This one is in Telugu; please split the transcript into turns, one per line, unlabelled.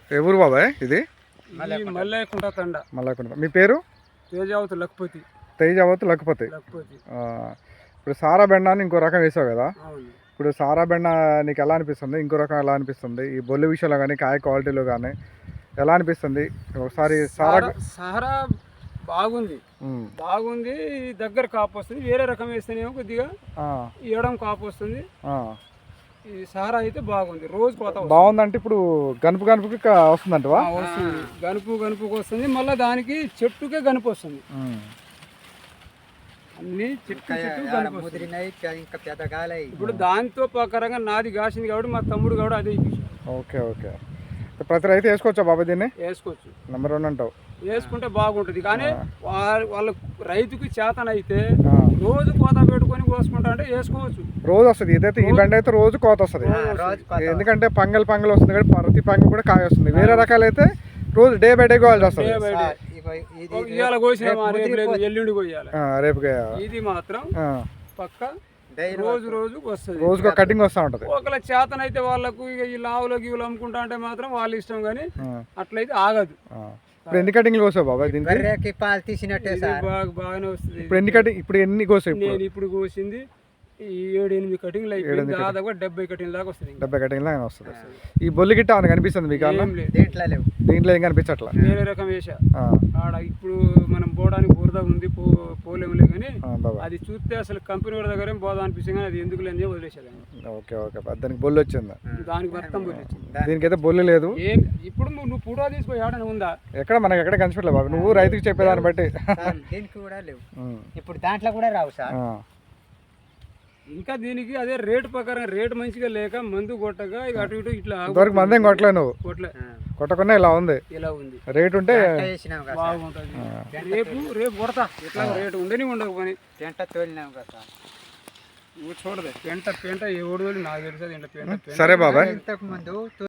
ఎవరు బాబాయ్ ఇది?
మల్లయ్యకుంట తండ.
మల్లయ్యకుంట. మీ పేరు?
తేజావతి లక్పతి.
తేజావతి లక్పతి. ఇప్పుడు సారా బెండ అని ఇంకో రకం వేసావు కదా, ఇప్పుడు సారా బెండ నీకు ఎలా అనిపిస్తుంది? ఇంకో రకం ఎలా అనిపిస్తుంది? ఈ బొల్లి విషయంలో కానీ కాయ క్వాలిటీలో కానీ ఎలా అనిపిస్తుంది? ఒకసారి
సారా బాగుంది, బాగుంది. దగ్గర కాపు వస్తుంది. వేరే రకం వేస్తేనేమో కొద్దిగా ఇవ్వడం కాపు వస్తుంది. ఈ సారా అయితే బాగుంది. రోజు కోత
బాగుందంటే ఇప్పుడు గనుపు గనుపుకి వస్తుందంట.
వస్తుంది, గనుపుకి వస్తుంది. మళ్ళీ దానికి చెట్టుకే గనుపు వస్తుంది. అన్ని చెట్టు ఇప్పుడు దాంతో ప్రకారంగా నాది కాసింది కాబట్టి మా తమ్ముడు కూడా అదే.
Okay okay. ప్రతి రైతు వేసుకోవచ్చా బాబా దీన్ని?
వేసుకోవచ్చు.
నెంబర్ 1 అంటావు.
వేసుకుంటే బాగుంటుంది. కానీ వాళ్ళ రైతుకి చేతనైతే రోజు కోత పెట్టుకొని కోసుకుంటా అంటే వేసుకోవచ్చు.
రోజు వస్తుంది. ఇదైతే ఈ బండి అయితే రోజు కోత వస్తుంది. ఎందుకంటే పంగల్ వస్తుంది కాబట్టి ప్రతి పంగల్ కూడా కాయ వస్తుంది. వేరే రకాలు అయితే రోజు డే బై డే కోయాల్సి వస్తుంది.
ఇవాళ కోసినా ఎల్లుండి కోయాలి,
రేపు.
ఇది మాత్రం పక్క రోజుకు వస్తుంది.
రోజుకు కటింగ్ వస్తూ ఉంటుంది.
ఒకవేళ చేతనైతే వాళ్ళకు ఈ లావులో గీవులు అమ్ముకుంటా అంటే మాత్రం వాళ్ళ ఇష్టం, కానీ అట్లయితే ఆగదు.
ఇప్పుడు ఎన్ని కటింగ్లు కోసావు బాబా దీనికి?
పాలు తీసినట్టే
బాగానే వస్తుంది.
ఇప్పుడు ఎన్ని కోసావు?
నేను ఇప్పుడు కోసింది 7-8 కటింగ్లు అయిపోయింది. దాదాపు 70 కటింగ్ దాకా వస్తుంది.
70 కటింగ్ లాగా వస్తుంది. ఈ బొల్లి గిట్ట అని కనిపిస్తుంది మీకు? దీంట్లో ఏం కనిపించట్లా.
వేరే రకం వేసా ఆడ. ఇప్పుడు మనం పోవడానికి బురద ఉంది, పోలేములే, కానీ అది చూస్తే అసలు కంపెనీ వాళ్ళ దగ్గర పోదా అనిపిస్తుంది, కానీ అది ఎందుకు లేని వదిలేసేది.
Okay okay. దానికి బొల్లి వచ్చింది.
దానికి మొత్తం బొల్లి వచ్చింది.
దీనికైతే బొల్లి లేదు.
ఇప్పుడు నువ్వు ఫోటో తీసుకో, ఏడనే ఉందా?
మనకి ఎక్కడ కనిపించలేదు బాబు. నువ్వు రైతుకి చెప్పేదాన్ని బట్టి.
దీనికి కూడా లేవు. ఇప్పుడు దాంట్లో కూడా రావు సార్.
ఇంకా దీనికి అదే రేటు ప్రకారం రేటు మంచిగా లేక మందు కొట్టగా ఇక అటు ఇటు ఇట్లా
మందేం కొట్టలే. నువ్వు కొట్టకుండా ఇలా ఉంది. రేటు ఉంటే
బాగుంటుంది. రేపు కొడతా. ఇట్లా రేటు ఉండని ఉండవు పని.
పెంట తోలినాం కదా,
నువ్వు చూడదు. పెంట ఎవడు నాకు తెలుసు.
సరే బాబాయ్.
ఇంతకు ముందు